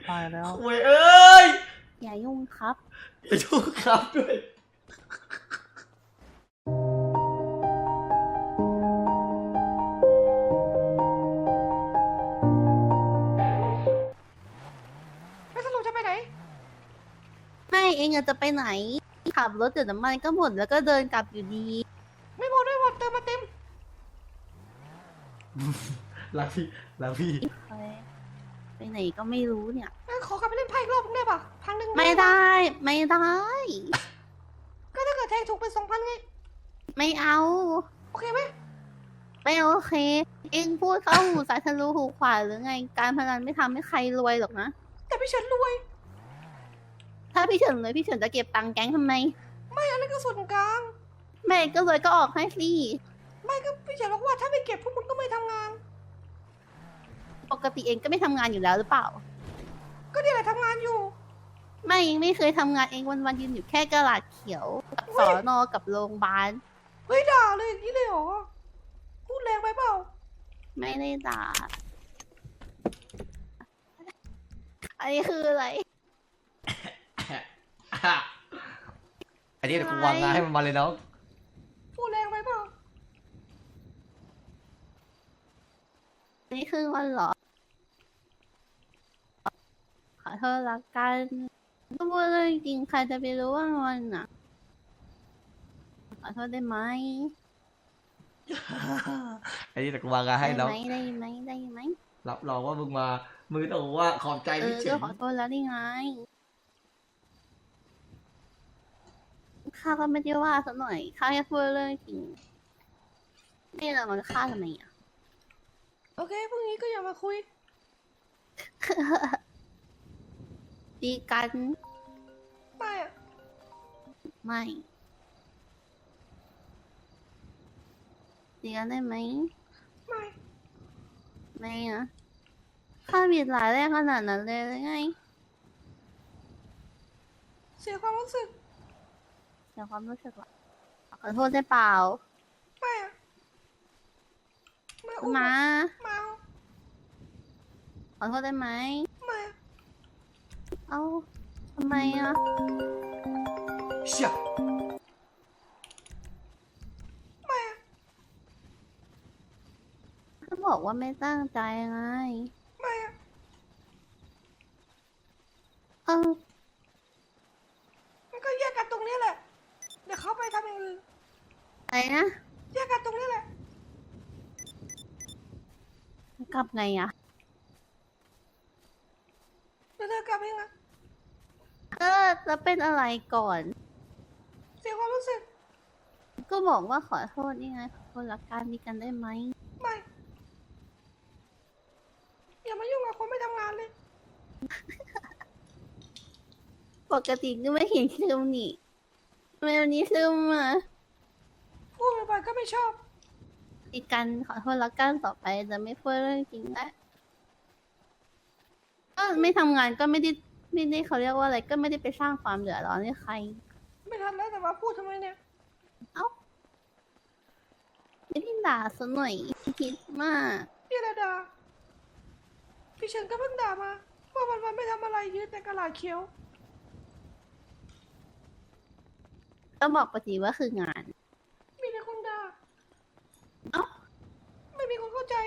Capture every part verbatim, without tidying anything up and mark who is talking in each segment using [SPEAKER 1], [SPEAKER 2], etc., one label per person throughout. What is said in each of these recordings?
[SPEAKER 1] ตายแล้ว
[SPEAKER 2] โว้ยเอ้ย
[SPEAKER 3] อย่ายุ่งครับ
[SPEAKER 2] อย่ายุ่งครับด้วย
[SPEAKER 4] แล้วสรุปจะไปไหน
[SPEAKER 3] ไม่เองจะไปไหนขับรถเดี๋ยวน้ำมันก็หมดแล้วก็เดินกลับอยู่ดี
[SPEAKER 4] ไม่หมดไม่หมดเติมมาเต็ม
[SPEAKER 2] รักพี่รักพี่
[SPEAKER 3] ไปไหนก็ไม่รู้เนี่ย
[SPEAKER 4] ขอกลับไปเล่นไพ่อีกรอบนึงได้ปะพันหนึ่ง
[SPEAKER 3] ไม่ได้ไม่ได้
[SPEAKER 4] ก็ถ้าเกิดแทงถูกเป็นสองพันไง
[SPEAKER 3] ไม่เอา
[SPEAKER 4] โอเคไหม
[SPEAKER 3] ไม่โอเคเองพูดเข้าหูสายทะลุหูขวาหรือไงการพนันไม่ทำให้ใครรวยหรอกนะ
[SPEAKER 4] แต่พี่เฉินรวย
[SPEAKER 3] ถ้าพี่เฉินรวยพี่เฉินจะเก็บตังค์แก๊งทำไม
[SPEAKER 4] ไม่อันนั้นก็ส่วนกลาง
[SPEAKER 3] แม่ก็รวยก็ออกให้สิ
[SPEAKER 4] ไม่ก็พี่เฉินบอกว่าถ้าไม่เก็บพวกมึงก็ไม่ทำงาน
[SPEAKER 3] ปกติเองก็ไม่ทำงานอยู่แล้วหรือเปล่า
[SPEAKER 4] ก็นี่แหละทำงานอยู่
[SPEAKER 3] ไม่เองไม่เคยทำงานเองวันๆยืนอยู่แค่กระดาษเขียวกับสอนอกับโรงพยาบาล
[SPEAKER 4] เฮ้ยด่าเลยอย่างนี้เลยเหรอพูดแรงไปเปล่า
[SPEAKER 3] ไม่ได้ด่าอันนี้คืออะไร
[SPEAKER 2] อันนี้เดี๋ยวกูวางงานให้มันมาเลยน้อง
[SPEAKER 4] พูดแรงไปเปล่า
[SPEAKER 3] อันนี้คือวันเหรอขอโทษละกันก็พูดเรื่องจริงใครจะไปรู้ว่างอนอ่ะขอโทษได้ไหม
[SPEAKER 2] อันนี้เดี๋ยวกูวางงานให้น้อง
[SPEAKER 3] ได้ไหมได้ไหม
[SPEAKER 2] รับรองว่ามึงมามึงต้องบอกว่าขอบใจพี่เฉิน
[SPEAKER 3] ก็ขอโทษแล้วนี่ไงข้าก็ไม่ได้ว่าสักหน่อยข้าแค่พูดเรื่องจริงไม่เรามันฆ่าทำไมอ่ะ
[SPEAKER 4] โอเคพรุ่งนี้ก็อย่ามาคุย
[SPEAKER 3] ดีกัน
[SPEAKER 4] ไม่อะ
[SPEAKER 3] ไม่ดีกันได้ไหม
[SPEAKER 4] ไม่
[SPEAKER 3] ไม่นะข้าผิดหลายแรกขนาดนั้นเลยหรือไง
[SPEAKER 4] เสียความรู้สึก
[SPEAKER 3] เสียความรู้สึกหรอขอโทษได้เปล่า
[SPEAKER 4] ไม่อะ
[SPEAKER 3] มา
[SPEAKER 4] มา
[SPEAKER 3] ขอโทษได้ไหม
[SPEAKER 4] ไม่
[SPEAKER 3] เอ้าทำไมอ่ะ
[SPEAKER 2] เชี่ย
[SPEAKER 4] ไม่
[SPEAKER 3] ก็บอกว่าไม่ตั้งใจไง
[SPEAKER 4] ไม่อะ
[SPEAKER 3] เออ
[SPEAKER 4] มันก็แยกกันตรงนี้แหละเดี๋ยวเขาไปทำอย่างอื่น
[SPEAKER 3] อะไรนะ
[SPEAKER 4] แยกกันตรงนี้แหละ
[SPEAKER 3] กลับไงอ่ะ
[SPEAKER 4] เดี๋ยวเธอกลับเองอะ
[SPEAKER 3] เออจะเป็นอะไรก่อน
[SPEAKER 4] เสียความรู้สึก
[SPEAKER 3] ก็บอกว่าขอโทษนี่ไงขอโทษรักกันดีกันได้ไหม
[SPEAKER 4] ไม่อย่ามายุ่งกับคนไม่ทำงานเลย
[SPEAKER 3] ปกติก็ไม่เห็นซึมนี่ทำไมวันนี้ซึมอ่ะ
[SPEAKER 4] พูดไปก็ไม่ชอบ
[SPEAKER 3] ดีกันขอโทษรักกันต่อไปจะไม่พูดเรื่องจริงแล้วก็ไม่ทำงานก็ไม่ได้ไม่ได้เขาเรียกว่าอะไรก็ไม่ได้ไปสร้างความเดือดร้อนให้ใคร
[SPEAKER 4] ไม่ทันแล้วแต่ว่าพูดทำไมเนี่ย
[SPEAKER 3] เอ้าไม่ได้ด่าซะหน่อยคิดมาก
[SPEAKER 4] พี่ระดาพี่เฉินก็เพิ่งด่ามาว่าวันวันไม่ทำอะไรยืนแต่กระดาษเขียว
[SPEAKER 3] ก็บอกปกติว่าคืองาน
[SPEAKER 4] มีแต่คนด่า
[SPEAKER 3] เอ้า
[SPEAKER 4] ไม่มีคนเข้าใจ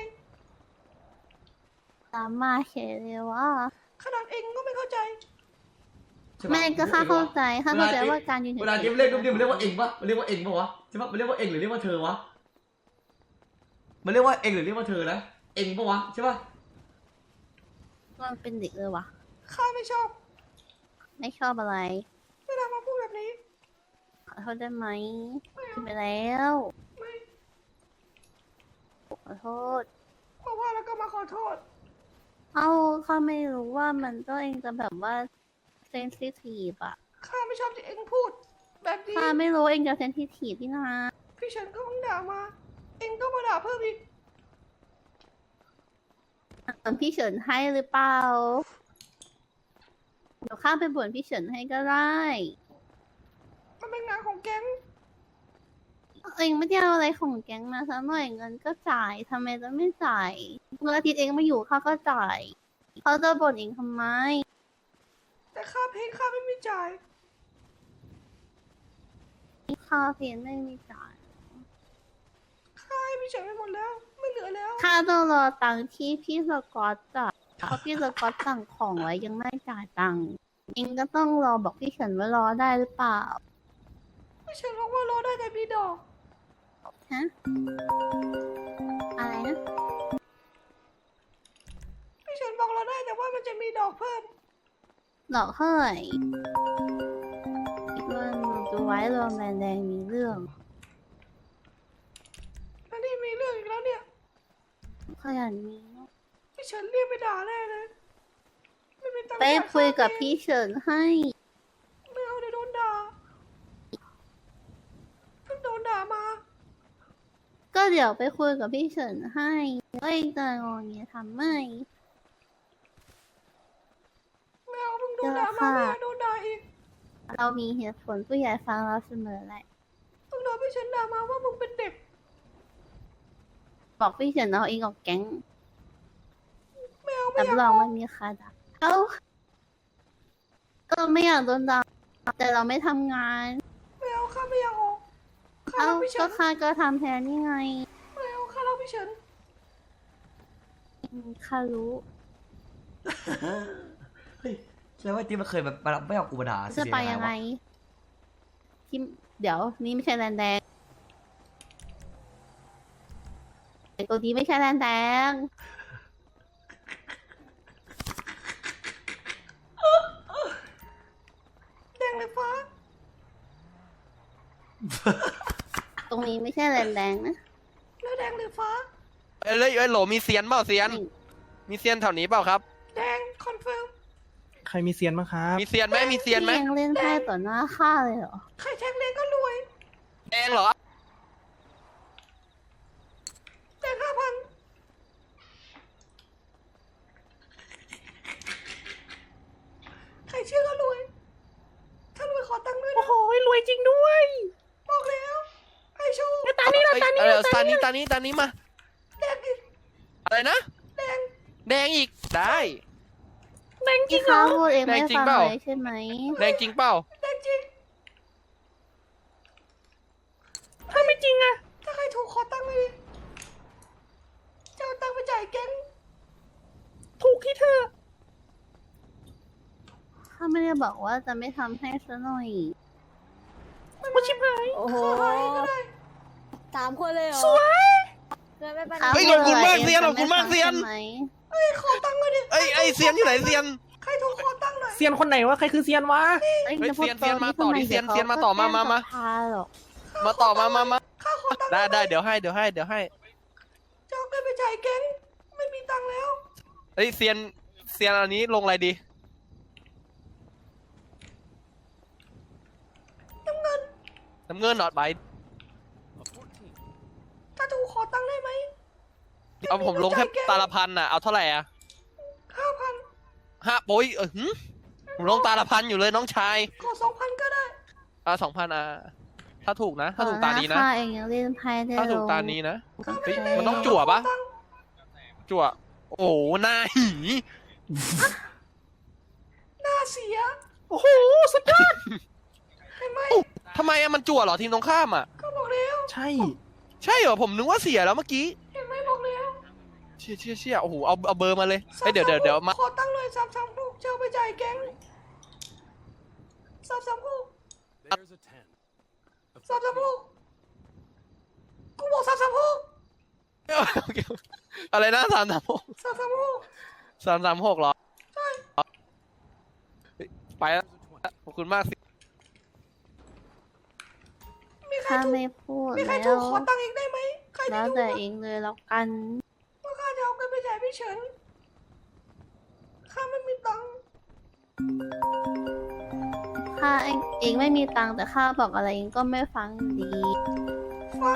[SPEAKER 3] ตามมาเฉยเลยว่า
[SPEAKER 4] ขนาดเองก็ไม่เข้าใจ
[SPEAKER 3] แม่ก็ข้าเข้าใจข้าเข้าใจว่าการยืน
[SPEAKER 2] เวลาเกมเล่นก็มันเรียกว่าเองปะมันเรียกว่าเองปะวะใช่ปะมันเรียกว่าเองหรือเรียกว่าเธอวะมันเรียกว่าเองหรือเรียกว่าเธอนะเองปะวะใช่ปะ
[SPEAKER 3] มันเป็นเด็กเลยวะ
[SPEAKER 4] ข้าไม่ชอบ
[SPEAKER 3] ไม่ชอบอะไร
[SPEAKER 4] เวลามาพูดแบบนี้
[SPEAKER 3] ขอโทษได้ไหมไปแล้วขอโทษ
[SPEAKER 4] มาว่าแล้วก็มาขอโทษ
[SPEAKER 3] เอาข้าไม่รู้ว่ามันก็เองจะแบบว่าเซนซิทีฟอะ
[SPEAKER 4] ข้าไม่ชอบที่เองพูดแบบนี้
[SPEAKER 3] ข้าไม่รู้เองจะเซนซิทีฟที่นา
[SPEAKER 4] พี่เฉินก็เพิ่งด่ามาเองก็มาด่าเพิ่มอีก
[SPEAKER 3] บ่นพี่เฉินให้หรือเปล่าเดี๋ยวข้าไปบ่นพี่เฉินให้ก็ได้
[SPEAKER 4] มันเป็นงานของแก๊ง
[SPEAKER 3] เองไม่ได้เอาอะไรของแก๊งมาซะหน่อยเงินก็จ่ายทำไมจะไม่จ่ายเมื่ออาทิตย์เองไม่อยู่ข้าก็จ่ายเขาจะบ่นเองทำไม
[SPEAKER 4] ค่าเพลงค่าไม่มีจ่าย
[SPEAKER 3] ค่าเพลงไม่มีจ่าย
[SPEAKER 4] ค่าให้พี่เฉินไปหมดแล้ว ไม่เหลือแล้ว
[SPEAKER 3] ค่าต้องรอตังค์ที่พี่สกอตจ่ายเพราะพี่สกอตสั่งของไว้ยังไม่จ่ายตังค์เองก็ต้องรอบอกพี่เฉินว่ารอได้หรือเปล่า
[SPEAKER 4] พี่เฉินบอกว่ารอได้แต่มีดอก
[SPEAKER 3] ฮะ อะไรนะ
[SPEAKER 4] พี่เฉินบอกรอได้แต่ว่ามันจะมีดอกเพิ่ม
[SPEAKER 3] ดอกเท่าไหร่เรื่องดูไว้รวมแรงแดงมีเรื่อง
[SPEAKER 4] แล้วนี่มีเรื่องอีกแล้วเนี่ย
[SPEAKER 3] ขยันมีเนอะ
[SPEAKER 4] พี่เฉินเรียกไปด่าแน่เลย ไม่มีตังค์
[SPEAKER 3] ไป
[SPEAKER 4] จ่า
[SPEAKER 3] คุยกับ
[SPEAKER 4] ค่าเพลง
[SPEAKER 3] พี่เฉินให้
[SPEAKER 4] ไม่เอาเดี๋ยวโดนด่าเพิ่งโดนด่ามา
[SPEAKER 3] ก็เดี๋ยวไปคุยกับพี่เฉินให้ก็เองจะงอเงี้ยทำไม่
[SPEAKER 4] ไม่เอาเพิ่งโดนด่ามาไม่อยากโดนด่าอีก
[SPEAKER 3] เรามีเหตุผลผู้ใหญ่ฟังเราเสมอแหละ
[SPEAKER 4] เพิ่งโดนพี่เฉินด่ามาว่ามึงเป็นเด็ก
[SPEAKER 3] บอกพี่เฉินเอาเองออกแก๊ง
[SPEAKER 4] ไม่เอาไม่
[SPEAKER 3] รับ
[SPEAKER 4] อยาก
[SPEAKER 3] รอง
[SPEAKER 4] ออ
[SPEAKER 3] ไม่
[SPEAKER 4] ก
[SPEAKER 3] มีใครด่าเอ้าก็ไม่อยากโดนด่าแต่เราไม่ทำงาน
[SPEAKER 4] ไม่เอาข้าไม่อยากออกข้า
[SPEAKER 3] เอ้า
[SPEAKER 4] รักพี่เฉิ
[SPEAKER 3] ก็
[SPEAKER 4] น
[SPEAKER 3] ข้าก็ทำแทนนี่ไง
[SPEAKER 4] ไม่เอาข้ารักพี่เฉิน
[SPEAKER 3] อืมข้ารู้
[SPEAKER 2] เฮ้ยแสดงว่าที่มันเคยแบบมาไม่เอากูมาด่า
[SPEAKER 3] จะไปยังไง ที่เดี๋ยวนี่ไม่ใช่แลนแดงไอตัวนี้ไม่ใช่แลนแดง
[SPEAKER 4] แดงเลยฟ้า
[SPEAKER 3] ตรงนี้ไม่ใช่แลนแดงนะ
[SPEAKER 4] แล้วแดงเลยฟ้า
[SPEAKER 1] เอ้ยเอ้ยเอ้ยโหลมีเซียนเปล่าเซียน
[SPEAKER 3] นี่
[SPEAKER 1] มีเซียนแถวนี้เปล่าครับ
[SPEAKER 4] แดงคอนเฟิร์ม
[SPEAKER 5] ใครมีเซียนบ้างครับ
[SPEAKER 1] มีเซียนไหมมีเซียนไหม
[SPEAKER 3] พี่ยังเล่นไพ่ต่อหน้าข้าเลยเหรอ
[SPEAKER 4] ใครแทงแดงก็รวย
[SPEAKER 1] แดงเหรอ
[SPEAKER 4] แดงห้าพันใครเชื่อก็รวย ถ้ารวยขอตังค์ด้วย
[SPEAKER 5] โอ้
[SPEAKER 4] นะ
[SPEAKER 5] โหรวยจริงด้วย
[SPEAKER 4] บอกแล้วไอโชว์
[SPEAKER 5] ตานี่ละ
[SPEAKER 1] เอ้ย
[SPEAKER 5] ตานี่
[SPEAKER 1] เออ
[SPEAKER 5] ละ
[SPEAKER 1] ตานี้ตานี้ตานี้มา
[SPEAKER 4] แดงอีก
[SPEAKER 1] อะไรนะ
[SPEAKER 4] แดง
[SPEAKER 1] แดงอีก ได้
[SPEAKER 5] แดงจริ
[SPEAKER 3] ที่
[SPEAKER 5] งเหร
[SPEAKER 3] ข้า
[SPEAKER 5] อ
[SPEAKER 3] พูดเอง
[SPEAKER 1] แด
[SPEAKER 3] ไม่
[SPEAKER 1] งจริง
[SPEAKER 3] ฟัง
[SPEAKER 1] เปล่า
[SPEAKER 3] เลยใช่ไหม
[SPEAKER 1] แดงจริงเปล่า
[SPEAKER 4] แดงจริง
[SPEAKER 5] ถ้าไม่จริงอะ
[SPEAKER 4] ถ้าใครถูกขอตังค์เลยดิจะเอาตังค์ไปจ่ายแก๊ง
[SPEAKER 5] ถูกที่เธอ
[SPEAKER 3] ข้าไม่ได้บอกว่าจะไม่ทำให้ซะหน่อย
[SPEAKER 5] ว่าชิบหาย
[SPEAKER 6] โอ้โห
[SPEAKER 4] ขอให้ก็ได้
[SPEAKER 6] สามคนเลยเหรอ
[SPEAKER 5] สวย
[SPEAKER 6] เกินไม่เป็น
[SPEAKER 3] ข้า
[SPEAKER 1] เฮ้ย
[SPEAKER 3] พูด
[SPEAKER 1] ขอบคุณมาก
[SPEAKER 3] ะไร
[SPEAKER 1] เซียน
[SPEAKER 3] ง
[SPEAKER 1] ขอบคุณมาก
[SPEAKER 3] จะไ
[SPEAKER 1] เซียน
[SPEAKER 3] ทำใช่ไหม
[SPEAKER 4] เอ้ยขอตังค์เลยดิ
[SPEAKER 1] เอ้ยไอยเซียนอยู่ไหนเซียน
[SPEAKER 4] ใครถูกขอตังค์หน่อย
[SPEAKER 5] เซียนคนไหนวะ ใครคือเซียนวะ
[SPEAKER 3] เอ้ย
[SPEAKER 1] เฮ้ย
[SPEAKER 3] จะพูด
[SPEAKER 1] เซียนเซียนมาต่อ
[SPEAKER 3] ทำไ
[SPEAKER 1] ดิเซียน
[SPEAKER 3] ดี๋ว
[SPEAKER 1] เซียนมาต่อมามามา
[SPEAKER 3] เขก็แจ้งสภหรอก
[SPEAKER 1] มาต่อมามามา
[SPEAKER 4] ข้าขอตังค์
[SPEAKER 1] ได้ได้
[SPEAKER 4] หน่อย
[SPEAKER 1] เดี๋ยวให้เดี๋ยวให้เดี๋ยวให้
[SPEAKER 4] จะเอาเงินไปจ่ายแก๊ง ไม่มีตังค์แล้ว
[SPEAKER 1] เฮ้ยเซียนเซียนอันนี้ลงอะไรดี
[SPEAKER 4] น้ำเงิน
[SPEAKER 1] น้ำเงินหนอดใบ
[SPEAKER 4] ถ้าถูกขอตังค์ได้ไหม
[SPEAKER 1] เอาผมลงแค่ตาละพันน่ะเอาเท่าไหร่อ่ะ
[SPEAKER 4] ห้าพัน
[SPEAKER 1] ห้าโอ้ยเออหืมผมลงตาละพันอยู่เลยน้องชาย
[SPEAKER 4] ขอสองพันก็ได้
[SPEAKER 1] อ่ะสองพันอ่ะถ้าถูกนะ ถ้าถูกตานี้นะ
[SPEAKER 3] ข้าเองยังเล่นไพ่ได้
[SPEAKER 1] ถ้าถูก
[SPEAKER 3] ลง
[SPEAKER 1] ตานี้นะ
[SPEAKER 3] โอเค
[SPEAKER 1] เฮ้ยมันต้องจั่วปะ
[SPEAKER 4] ขอตังค์
[SPEAKER 1] จั่ว โอ้โหหน้าหี
[SPEAKER 4] หน้าเสีย
[SPEAKER 5] โอ้โห สุดยอด
[SPEAKER 4] เห็นไหม
[SPEAKER 1] ทำไมอะมันจั่วเหรอทีมตรงข้ามอะ
[SPEAKER 4] ก็บอกแล้ว
[SPEAKER 5] ใช่
[SPEAKER 1] ใช่เหรอผมนึกว่าเสียแล้วเมื่อกี้
[SPEAKER 4] เห็นไหมบอกแล้ว
[SPEAKER 1] เชี่ยเชี่ยเชี่ยโอ้โหเอาเอาเบอร์มาเลยเฮ้ยเดี๋ยวเดี๋ยวเดี๋ยวมา
[SPEAKER 4] ขอตังค์หน่อยสามสามหกจะเอาไปจ่ายแก๊งสามสามหก
[SPEAKER 7] There's a ten.
[SPEAKER 4] สามสามหกกูบอกสามสามหก
[SPEAKER 1] โอเคอะไรนะสามสามหก
[SPEAKER 4] สามสามหก
[SPEAKER 1] สามสามหกเหรอ
[SPEAKER 4] ใช่
[SPEAKER 1] เฮ้ยไปแล้วขอบคุณมากสิ
[SPEAKER 4] มีใคร
[SPEAKER 3] ข้า
[SPEAKER 4] ถูก
[SPEAKER 3] ไม่พูด
[SPEAKER 4] มีใคร
[SPEAKER 3] แล้
[SPEAKER 4] ถู
[SPEAKER 3] ว
[SPEAKER 4] กขอตังค์อีกได้ไหมใคร
[SPEAKER 3] แล้
[SPEAKER 4] ที่
[SPEAKER 3] ว
[SPEAKER 4] ถูก
[SPEAKER 3] แต่
[SPEAKER 4] อะ
[SPEAKER 3] เองเลยแล้วกัน
[SPEAKER 4] ว่าข้าจะเอาเงินไปจ่ายพี่เฉินข้าไม่มีตังค์
[SPEAKER 3] ข้าเองเองไม่มีตังค์แต่ข้าบอกอะไรเองก็ไม่ฟังดี
[SPEAKER 4] ฟัง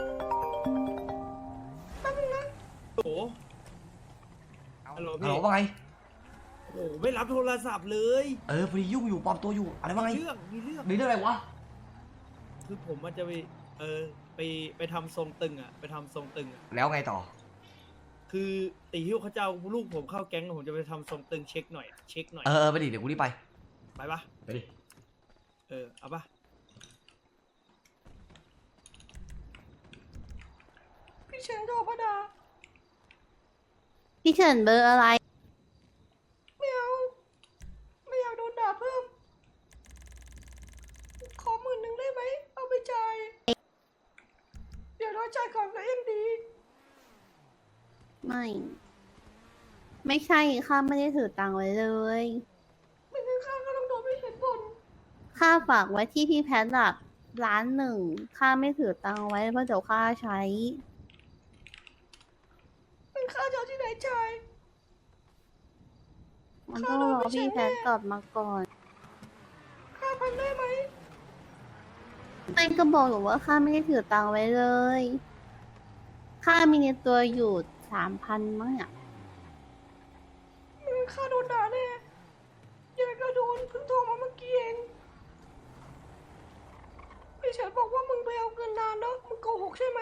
[SPEAKER 4] แป๊บนึงนะ
[SPEAKER 8] โอ้โหฮัลโหล
[SPEAKER 2] ฮัล
[SPEAKER 8] พี่
[SPEAKER 2] โหลว่าไง
[SPEAKER 8] โอ้โหไม่รับโทรศัพท์เลย
[SPEAKER 2] เออพอดียุ่งอยู่ปลอมตัวอยู่อะไรว่าไง
[SPEAKER 8] เรื่องมีเรื่อง
[SPEAKER 2] มีเรื่องอะไรวะ
[SPEAKER 8] คือผมมันจะไป เออ ไป ไปทำทรงตึงอ่ะ ไปทำทรงตึงอ่ะ
[SPEAKER 2] แล้วไงต่อ
[SPEAKER 8] คือตีหิ้วเขาจะเอาลูกผมเข้าแก๊งผมจะไปทำทรงตึงเช็คหน่อย เช็คหน่อย
[SPEAKER 2] เออเออไปดิเดี๋ยวกูรีบไป
[SPEAKER 8] ไปปะ
[SPEAKER 2] ไปดิ
[SPEAKER 8] เออเอาปะ
[SPEAKER 4] พี่เฉินโทรมาด่า
[SPEAKER 3] พี่เฉินเบอร์อะไร
[SPEAKER 4] ไม่เอาไม่อยากโดนด่าเพิ่ม ขอหมื่นหนึ่งได้ไหมเอาไปจ่ายเดี๋ยวเราจ่ายก่อนก็ยังดี
[SPEAKER 3] ไม่ ไม่ใช่ข้าไม่ได้ถือตังค์ไว้เลย
[SPEAKER 4] ไม่งั้นข้าก็ต้องโดนพี่เฉินบ่น
[SPEAKER 3] ข้าฝากไว้ที่พี่แพทย์หลักล้านหนึ่งข้าไม่ถือตังค์ไว้เพราะเดี๋ยวข้าใช้
[SPEAKER 4] เป็นข้าจะเอาที่ไหนจ่าย
[SPEAKER 3] มันต้องรอพี่แพทย์กลับมาก่อน
[SPEAKER 4] ห้าพันได้ไหม
[SPEAKER 3] ไม่ก็บอกอยู่ว่าข้าไม่ได้ถือตังค์ไว้เลยข้ามีในตัวอยู่สามพันมั้งอ่ะ
[SPEAKER 4] ไม่งั้นข้าโดนด่าแน่ยังไงก็โดนเพิ่งโทรมาเมื่อกี้เองพี่เฉินบอกว่ามึงไปเอาเงินนานแล้วมึงโกหกใช่ไหม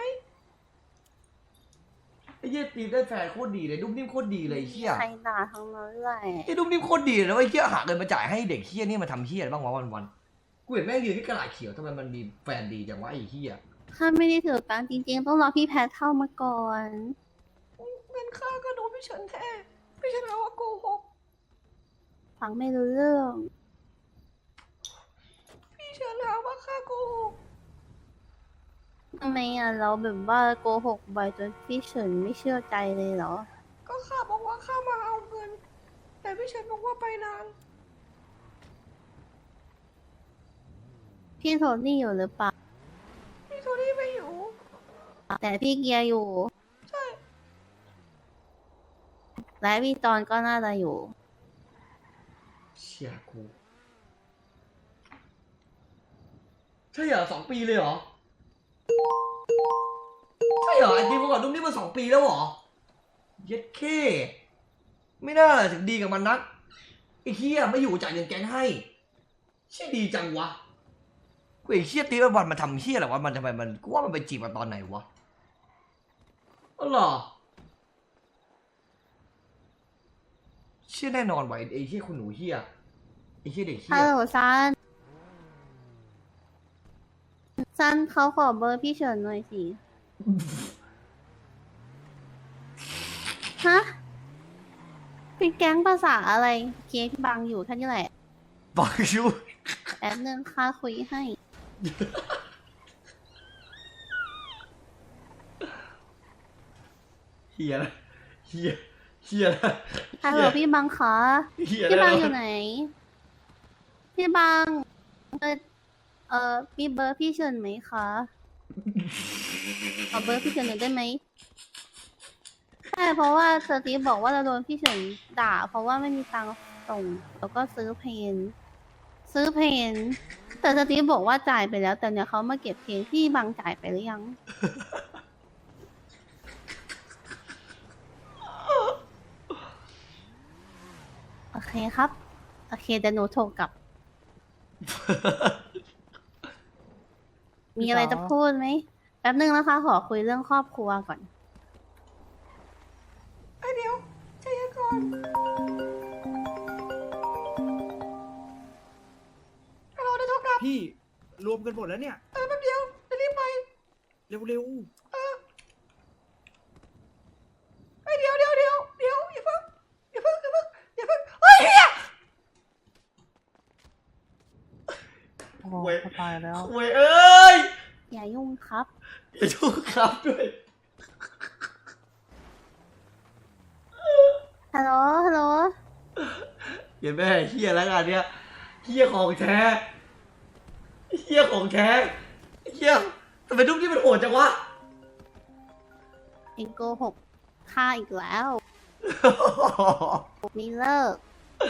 [SPEAKER 2] ไอ้เหี้ยตีมได้แฟนโคตรดีเลยนุ่มนิ่มโคตรดีเลยไอ้เหี้ย
[SPEAKER 3] ใครด่าทั้งนั้นแหละ
[SPEAKER 2] ไอ้นุ่มนิ่มโคตรดีเลยนะไอ้เหี้ยหาเงินมาจ่ายให้เด็กเหี้ยนี่มาทำเหี้ยอะไรบ้างวะวันๆกูเห็นแม่งยืนที่กระดาษเขียวทำไมมันมีแฟนดีจังวะไอ้เหี้ย
[SPEAKER 3] ข้าไม่ได้ถือตังค์จริงๆ ต้องรอพี่แพทย์เข้ามาก่อน
[SPEAKER 4] เงินข้าก็โดนพี่เฉินแท้พี่เฉินหาว่าโกหก
[SPEAKER 3] ฟังไม่รู้เรื่อง
[SPEAKER 4] พี่เฉินหาว่าข้าโกหก
[SPEAKER 3] ทำไมอ่ะเราแบบว่าโกหกบ่อยจนพี่เฉินไม่เชื่อใจเลยเหรอ
[SPEAKER 4] ก็ข้าบอกว่าข้ามาเอาเงิน แต่พี่เฉินบอกว่าไปนาน
[SPEAKER 3] พี่โทนี่อยู่หรือเปล่า
[SPEAKER 4] พี่โทนี่ไม่อยู่
[SPEAKER 3] แต่พี่เกียร์อยู่
[SPEAKER 4] ใช่
[SPEAKER 3] และพี่จอนก็น่าจะอยู่
[SPEAKER 2] เชี่ยกูใช่เหรอสองปีเลยเหรอใช่เหรอไอ้ดีมก่อนนุ่มนิ่มมาสองปีแล้วเหรอเย็ดเคไม่น่าถึงดีกับมันนักไอ้เหี้ยไม่อยู่จ่ายเงินแก๊งให้เชี่ยดีจังวะกูไอ้เชี่ยตีวันมันทำเชี่ยอะไรวะมันทำไมมันกูว่ามันไปจีบมาตอนไหนวะอ๋อเหรอเชี่ยแน่นอนว่ะไอ้เชี่ยคุณหนูเหี้ยไอ้เชี่ยเด็กเหี้
[SPEAKER 3] ฮัล
[SPEAKER 2] ย
[SPEAKER 3] โหลซัน ซันเขาขอเบอร์พี่เฉินหน่อยสิ ฮะ เป็นแก๊งภาษาอะไรเคสบังอยู่แค่นี้แหละ
[SPEAKER 2] บังยู
[SPEAKER 3] แป๊บนึงค่าคุยให้
[SPEAKER 2] เฮียนะเฮียเฮียนะ
[SPEAKER 3] ฮัลโหลพี่บังคะ
[SPEAKER 2] เฮีย
[SPEAKER 3] พี่
[SPEAKER 2] นะ
[SPEAKER 3] บังอยู่ไหน พี่บัง เออเออมีเบอร์พี่เฉินไหมคะขอเบอร์พี่เฉินหน่อยได้ไหมใช่เพราะว่าสตีฟบอกว่าเราโดนพี่เฉินด่า เพราะว่าไม่มีตังค์ส่ง แล้วก็ซื้อเพน ซื้อเพน แต่สตีฟบอกว่าจ่ายไปแล้ว แต่เนี่ยเขามาเก็บเพนพี่บังจ่ายไปหรือยัง โอเคครับ โอเคเดี๋ยวหนูโทรกลับ มีอะไรจะพูดไหม แป๊บนึงนะคะ ขอคุยเรื่องครอบครัวก่อน
[SPEAKER 4] ไอ้เดี๋ยวใจเย็นก่อนฮัลโหลได้โทรกลับ
[SPEAKER 8] พี่รวมกันหมดแล้วเนี่ย
[SPEAKER 4] เออแป๊บเดียวจะรีบไป
[SPEAKER 8] เร็ว
[SPEAKER 4] เออไอ้เดี๋ยวเดี๋ยวเดี๋ยวเดี๋ยวอย่าเพิ่งอย่าเพิ่งอย่าเพิ่งอย่าเพิ่งเฮ้ยเฮีย
[SPEAKER 5] โอ้โหตายแล้ว
[SPEAKER 2] เว้ยเอ้ย
[SPEAKER 3] อย่ายุ่งครับ
[SPEAKER 2] อย่าชูครับด้วย
[SPEAKER 3] ฮัลโหล ฮัลโหล
[SPEAKER 2] อย่าแม่เฮียแล้วกันเนี้ยเฮียของแท้เฮียของแท้เฮียทำไมทุกที่มันโหดจังวะ
[SPEAKER 3] เองโกหกฆ่าอีกแล้ว มีเลิก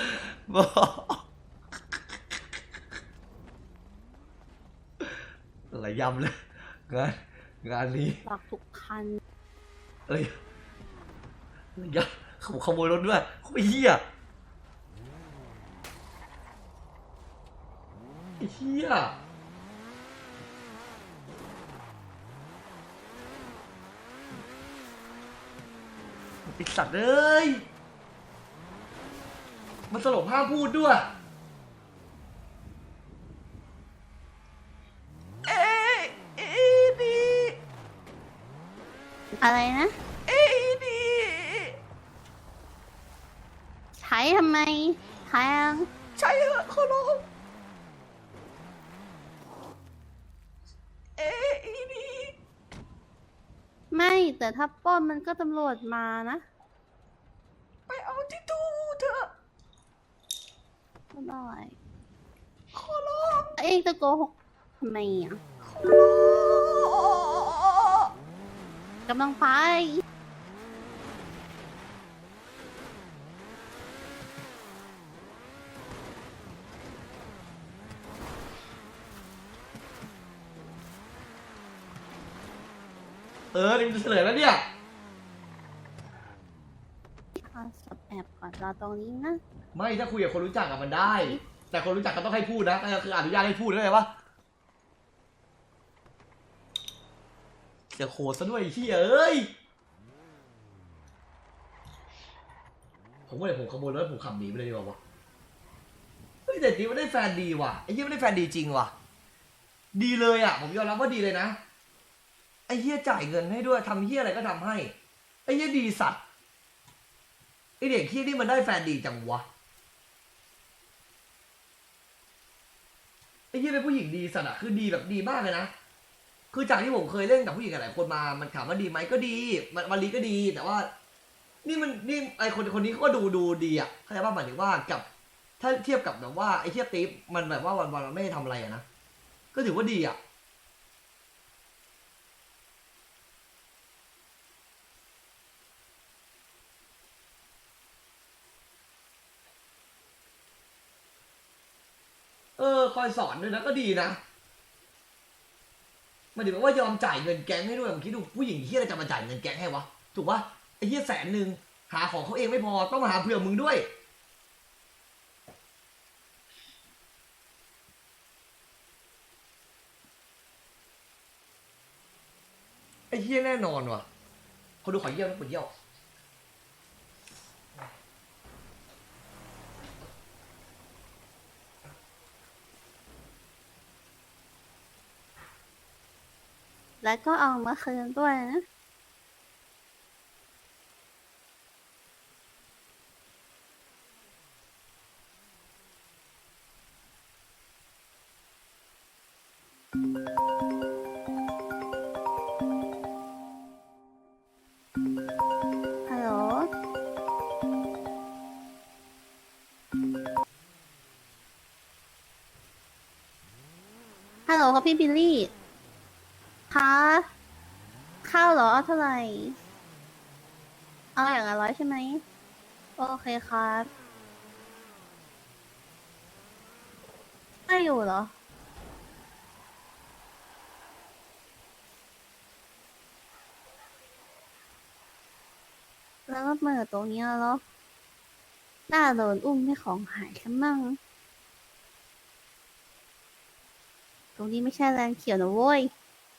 [SPEAKER 2] อะไรยำเลยงานงานนี้
[SPEAKER 3] หลอกทุกคัน
[SPEAKER 2] เอ้ยอะไรยำขโมยขโมยรถด้วยเขาไปเฮียไอ้เฮียไอ้สัตว์เอ้ยมันสลบห้ามพูดด้วย
[SPEAKER 3] อะไรนะ
[SPEAKER 4] เอดี
[SPEAKER 3] ใช้ทำไมแพง
[SPEAKER 4] ใช่เหรอขอร้องเอดี
[SPEAKER 3] ไม่แต่ถ้าปล้นมันก็ตำรวจมานะ
[SPEAKER 4] ไปเอาที่ตู้เถอะ
[SPEAKER 3] ไม่ได้
[SPEAKER 4] ขอร้อง
[SPEAKER 3] เองจะโกหกทำไมอ่ะ
[SPEAKER 4] ขอร้อง
[SPEAKER 3] กำลังไป
[SPEAKER 2] เออนี่มันจะเฉลยแล้วเนี่ย
[SPEAKER 3] เอาสอบแอบก่อนรอตรงนี้นะ
[SPEAKER 2] ไม่ถ้าคุยกับคนรู้จักอะมันได้ แต่คนรู้จักก็ต้องให้พูดนะนั่นก็คืออนุญาตให้พูดได้ไหมวะเสียโคตรซะด้วยไอ้เฮียเอ้ยผมว่าเดี๋ยวผมขโมยรถผมขับหนีไปเลยดีกว่าวะเฮ้ยแต่จริงมันได้แฟนดีว่ะไอ้เฮียมันได้แฟนดีจริงว่ะดีเลยอ่ะผมยอมรับว่าดีเลยนะไอ้เฮียจ่ายเงินให้ด้วยทำเฮียอะไรก็ทำให้ไอ้เฮียดีสัตว์ไอ้เด็กเฮียนี่มันได้แฟนดีจังวะไอ้เฮียเป็นผู้หญิงดีสัตว์อะคือดีแบบดีมากเลยนะคือจากที่ผมเคยเล่นกับผู้หญิงหลายคนมามันถามว่าดีไหมก็ดีมันมารีก็ดีแต่ว่า นี่มันนี่ไอคนคนนี้เขาก็ดูดูดีอ่ะเข้าใจป่ะหมายถึงว่ากับ ถ้าเทียบกับแบบว่าไอเทียบติ๊บมันแบบว่าวันวันมันไม่ได้ทำอะไรอะนะก็ถือว่าดีอ่ะเออคอยสอนด้วยนะก็ดีนะมันถึงว่ายอมจ่ายเงินแก๊งให้ด้วยผมคิดดูผู้หญิงที่อะไรจะมาจ่ายเงินแก๊งให้วะถูกปะไอ้เหี้ยแสนหนึ่งหาของเขาเองไม่พอต้องมาหาเผื่อมึงด้วยไอ้เหี้ยแน่นอนว่ะคนดูขอเยี่ยวนะปวดเยี่ยว
[SPEAKER 3] แล้วก็เอามาคืนด้วยนะ ฮัลโหล ฮัลโหลครับพี่บิลลี่ คะข้าวเหรอเอาเท่าไหร่ เอาอย่างละร้อยใช่ไหม โอเคครับไม่อยู่เหรอ แล้วก็เมื่อตรงเนี้ยเหรอน่าโดนอุ้มให้ของหายซะมั่ง ตรงนี้ไม่ใช่แลนด์เขียวนะโว้ย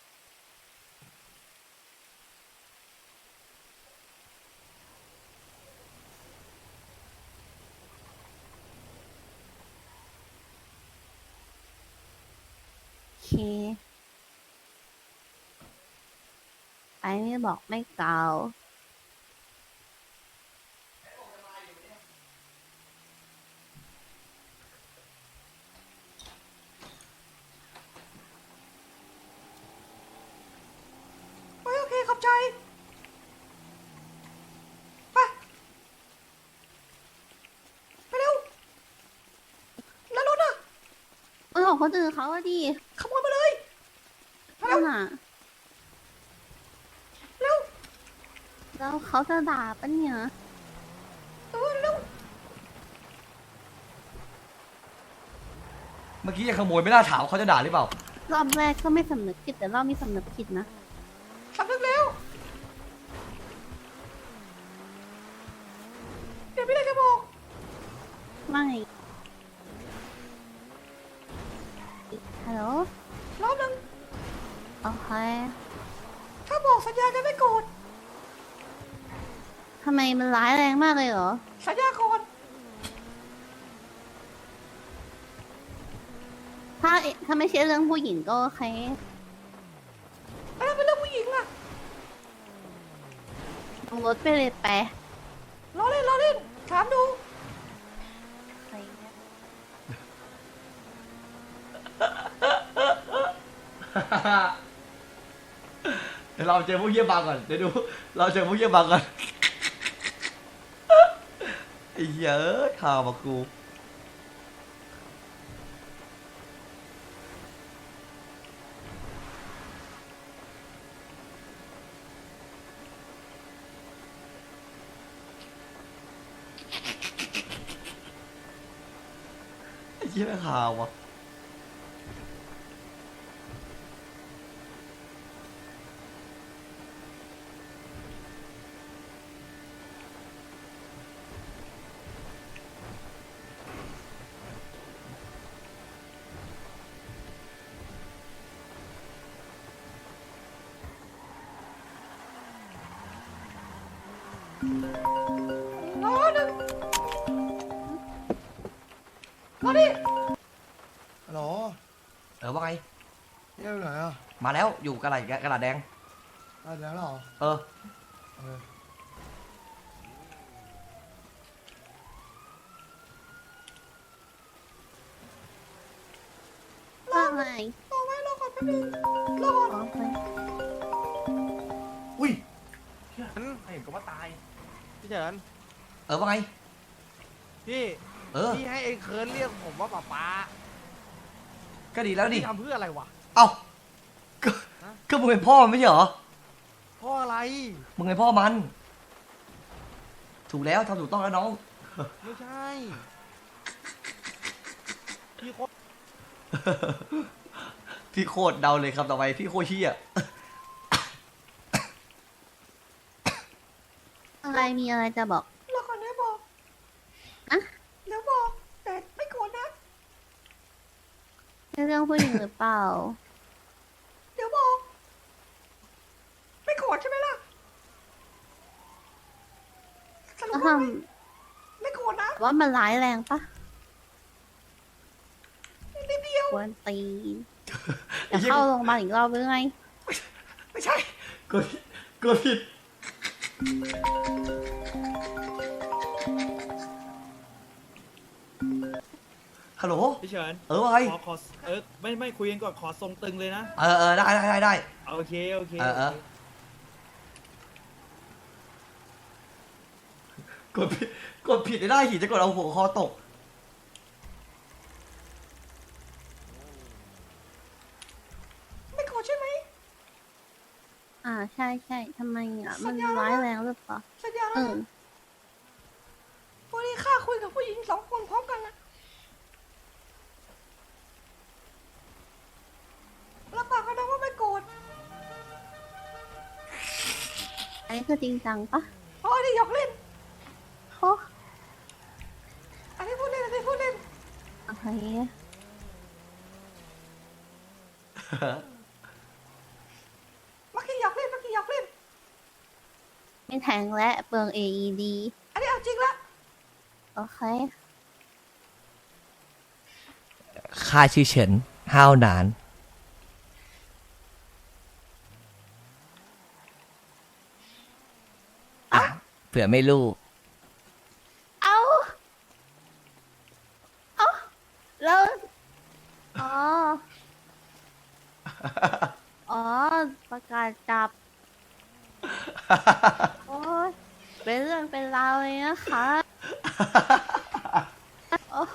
[SPEAKER 3] โอเค ไปไม่บอกไม่กล่าว
[SPEAKER 4] โอเคโอเคขอบใจไปไปเร็วแล้วรถอะ
[SPEAKER 3] เออของคนอื่นเขาอะดิ
[SPEAKER 4] ขโมยมาเลยเร็
[SPEAKER 3] นั่
[SPEAKER 4] วน
[SPEAKER 3] น่ะ
[SPEAKER 4] เร็ว
[SPEAKER 3] แล้วเขาจะด่าปะเนี่ย
[SPEAKER 4] เออเร็ว
[SPEAKER 2] เมื่อกี้ยังขโมยไม่น่าถามว่าเขาจะด่าหรือเปล่าร
[SPEAKER 3] อบแรกก็ไม่สำนึกผิดแต่รอบนี้สำนึกผิดนะ
[SPEAKER 4] สำนึกแล้วเดี๋ยวพี่ได้จะบอก
[SPEAKER 3] ไม่ ฮัลโหล
[SPEAKER 4] รอบหนึง
[SPEAKER 3] โอเค
[SPEAKER 4] ถ้าบอกสัญญาจะไม่โกรธ
[SPEAKER 3] ทำไมมันร้ายแรงมากเลยเหรอ
[SPEAKER 4] สัญญาก่อน
[SPEAKER 3] ถ้าถ้าไม่ใช่เรื่องผู้หญิงก็โอเค
[SPEAKER 4] อันนั้นเป็นเรื่องผู้หญิงอะ
[SPEAKER 3] เอารถไปเลยไป
[SPEAKER 4] ล้อเล่นล้อเล่นถามดู
[SPEAKER 3] อะไรเงี้ย
[SPEAKER 2] เดี๋ยวเราเจอพวกเยี่ยบางก่อนเดี๋ยวดูเราเจอพวกเยี่ยบางก่อนไอ้เหี้ยเอะข่าวมากูไอ้เหี้ยข่าววะ
[SPEAKER 4] ล้อหนึ่งล้อดิ
[SPEAKER 7] ฮัลโหล
[SPEAKER 2] เออว่าไง
[SPEAKER 7] เที่ยวไหนอ่ะ
[SPEAKER 2] มาแล้วอยู่กระดาษกระดาษแดง
[SPEAKER 7] ได้แล้วเหรอ
[SPEAKER 2] เออ
[SPEAKER 7] เออ
[SPEAKER 3] ว่าไง
[SPEAKER 4] รอไว้รอก่อนแป๊บนึงรอก่อน
[SPEAKER 3] อ๋อไป
[SPEAKER 2] อุ้ย
[SPEAKER 5] เห็นก็ว่าตายพี่เฉิน
[SPEAKER 2] เออว่าไง
[SPEAKER 5] พี่
[SPEAKER 2] เออ
[SPEAKER 5] พี่ให้ไอ้เคิร์นเรียกผมว่าป๊าป๊า
[SPEAKER 2] ก็ดีแล้วดิ
[SPEAKER 5] พี่ทำเพื่ออะไรวะ
[SPEAKER 2] เอ้าก็ก็มึงเป็นพ่อมันไม่ใช่เหรอ
[SPEAKER 5] เพราะอะไร
[SPEAKER 2] มึงเป็นพ่อมัน ถูกแล้วทำถูกต้องแล้วน้อง
[SPEAKER 5] ไม่ใช่พี่โคตร
[SPEAKER 2] พี่โคตรเดาเลยครับต่อไปพี่โคตรเฮี้ย
[SPEAKER 3] อะไรมีอะไรจะบอก
[SPEAKER 4] รอก่อนเดี๋ยวบอก
[SPEAKER 3] อะ
[SPEAKER 4] เดี๋ยวบอกแต่ไม่โกรธนะ
[SPEAKER 3] เรื่องผู้หญิงหรือเปล่า
[SPEAKER 4] เดี๋ยวบอกไม่โกรธใช่ไหมล่ะสรุป
[SPEAKER 3] ก็ท
[SPEAKER 4] ว่าไม่ไม่โกรธนะ
[SPEAKER 3] ำว่ามันร้ายแรงปะ
[SPEAKER 4] นิดเดียว
[SPEAKER 3] ควรตีนจะเข้าโรงพยาบาลอีกรอบหรือไง
[SPEAKER 2] ไม่ใช่กดกดผิดฮัลโหล
[SPEAKER 8] พี่เฉิน
[SPEAKER 2] เออว่าไง
[SPEAKER 8] ขอขอเออไม่ไม่คุยกันก่อนขอทรงตึงเลยนะ
[SPEAKER 2] เออเออได้ได้ได้ได้
[SPEAKER 8] โอเคโอเค
[SPEAKER 2] เออเออ กดผิดกดผิดได้หิจะกดเอาหัวคอตก
[SPEAKER 4] ไม่โกรธใช่ไหม
[SPEAKER 3] อ่าใช่ใช่ทำไมอ่ะ มัน
[SPEAKER 4] สัญญาแล้ว
[SPEAKER 3] ร้ายแรงหรือเปล่า
[SPEAKER 4] สัญญา
[SPEAKER 3] เอ
[SPEAKER 4] แล้ว
[SPEAKER 3] อ
[SPEAKER 4] นะวันนี้ข้าคุยกับผู้หญิงสองคนพร้อมกันนะรับปากกันนะว่าไม่โกรธ
[SPEAKER 3] อันนี้คือจริงจังปะ
[SPEAKER 4] อ๋ออันนี้หยอกเล่น
[SPEAKER 3] โอ้
[SPEAKER 4] อันนี้พูดเล่นอันนี้พูดเล่น
[SPEAKER 3] โอเค
[SPEAKER 4] เมื่อกี้หยอกเล่นเมื่อกี้หยอกเล่น
[SPEAKER 3] ไม่แทงและเปลือง เอ อี ดี
[SPEAKER 4] อันนี้เอาจริงละ
[SPEAKER 3] โอเค
[SPEAKER 2] ค่าชื่อเฉินห้าวหนานอ่ะเผื่อไม่รู้
[SPEAKER 3] เอาเอาแล้ว อ๋อ อ๋อ ประกาศจับ โอ้ยเป็นเรื่องเป็นราวเลยนะคะ โอ้โห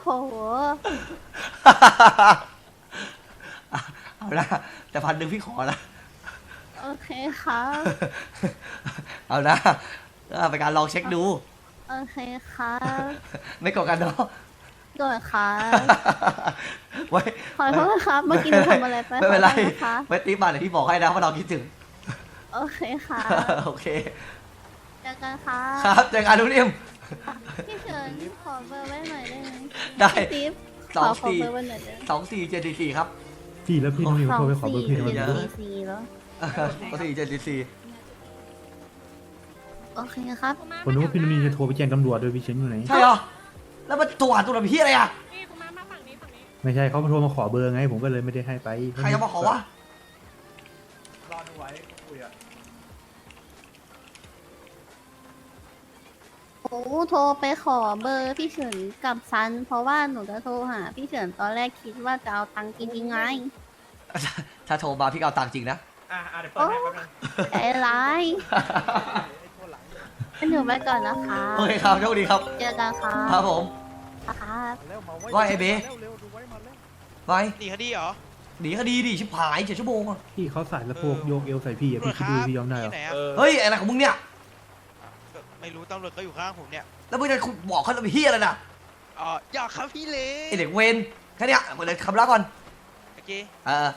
[SPEAKER 2] เอาละแต่พันหนึ่งพี่ขอละ
[SPEAKER 3] โอเคครับ
[SPEAKER 2] เอานะเอาไปนการลองเช็คดู
[SPEAKER 3] โอเคครับ
[SPEAKER 2] ไม่กดกันเนาะ
[SPEAKER 3] โดยครับ
[SPEAKER 2] ไว้
[SPEAKER 3] ขอโทษครับ เมื่อกี้หนูทำอะไรไป
[SPEAKER 2] ไม่เป็นไร
[SPEAKER 3] ขอโทษนะคะ
[SPEAKER 2] ไว้ตีมาเดี๋ยวพี่บอกให้นะว่าเราคิดถึง
[SPEAKER 3] โอเคค่ะ
[SPEAKER 2] โอเค
[SPEAKER 3] เจอกันค่ะ
[SPEAKER 2] ครับเจอกันทุกเรียม
[SPEAKER 3] พี่เฉินขอเบอร์ไว้หน่อยได้ไหม
[SPEAKER 2] ได้
[SPEAKER 3] พี่ติ๊บ
[SPEAKER 2] ส
[SPEAKER 3] ข
[SPEAKER 2] อ
[SPEAKER 3] อง ขอ
[SPEAKER 2] สี่
[SPEAKER 3] เบอร์ไว้หน่อยได้ไหม
[SPEAKER 2] สองสี่เจ็ดสี่สี่ครับ
[SPEAKER 9] พี่แล้วพี่น้องนิว
[SPEAKER 3] สอ
[SPEAKER 9] โท
[SPEAKER 3] ง
[SPEAKER 9] รไปขอเบอ
[SPEAKER 3] สี่
[SPEAKER 9] ร์พี่ทำไม
[SPEAKER 3] เจ็ด
[SPEAKER 2] เยอะ
[SPEAKER 3] สี่สี่แล้ว
[SPEAKER 2] สองสี่เจ็ดสี่สี่
[SPEAKER 3] โอเคครับ
[SPEAKER 9] ผมนึกว่าพี่น้องนิวจะโทรไปแจ้งตำรวจโดยพี่เฉินอยู่ไหน
[SPEAKER 2] ใช่เหรอ แล้วมันตัวหาตัวแบบพี่อะไรอ่ะ
[SPEAKER 9] ไม่ใช่เขามาโทรมาขอเบอร์ไง ผมก็เลยไม่ได้ให้ไป
[SPEAKER 2] ใครจะมาขอวะ
[SPEAKER 5] รอดูไว้คุยอ่ะ
[SPEAKER 3] หนูโทรไปขอเบอร์พี่เฉินกับซัน เพราะว่าหนูจะโทรหาพี่เฉินตอนแรกคิดว่าจะเอาตังค์จริงๆไง
[SPEAKER 2] ถ้าโทรมาพี่ก็เอาตังค์จริงนะ
[SPEAKER 5] อ่ะอ่ะเดี๋ยวเปิดให้แป๊บนึง
[SPEAKER 3] ใจร้ายงั้นหนูไปก่อนนะคะ
[SPEAKER 2] โอเคครับโชคดีครับ
[SPEAKER 3] เจอกันค่ะ
[SPEAKER 2] ครับผม
[SPEAKER 3] ครับ
[SPEAKER 2] ว่าไอ้เบไป
[SPEAKER 1] หนีคดีเหรอ
[SPEAKER 2] หนีคดีดิชิบหายเจ็ดชั่วโมงอะ
[SPEAKER 9] พี่เขาใส่สะโพกโยกเอวใส่พี่อะพี่คิดดูพี่ยอมได้เหรอ
[SPEAKER 1] ที่ไหนอะ
[SPEAKER 8] เออ
[SPEAKER 2] เฮ้ยอะไรของมึงเนี่ย
[SPEAKER 1] ก็ไม่รู้ตำรวจก็อยู่ข้างผมเนี่ย
[SPEAKER 2] แล้วมึงจะบอกเขาเป็นเฮียอะไรนะ
[SPEAKER 1] อ๋ออยากครับพี่เล่
[SPEAKER 2] ไอเด็กเวนแค่เนี้ยหมดเลยคำรับก่อน
[SPEAKER 1] โอเค
[SPEAKER 2] เออ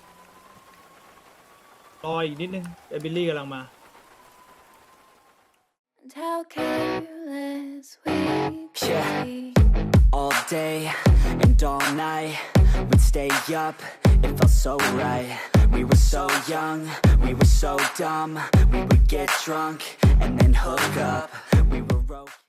[SPEAKER 8] รออีกนิดนึงเอบิลลี่กำลังมา
[SPEAKER 10] And how careless we could
[SPEAKER 11] Yeah.
[SPEAKER 10] be.
[SPEAKER 11] All day and all night, we'd stay up, it felt so right. We were so young, we were so dumb. We would get drunk and then hook up. We were okay.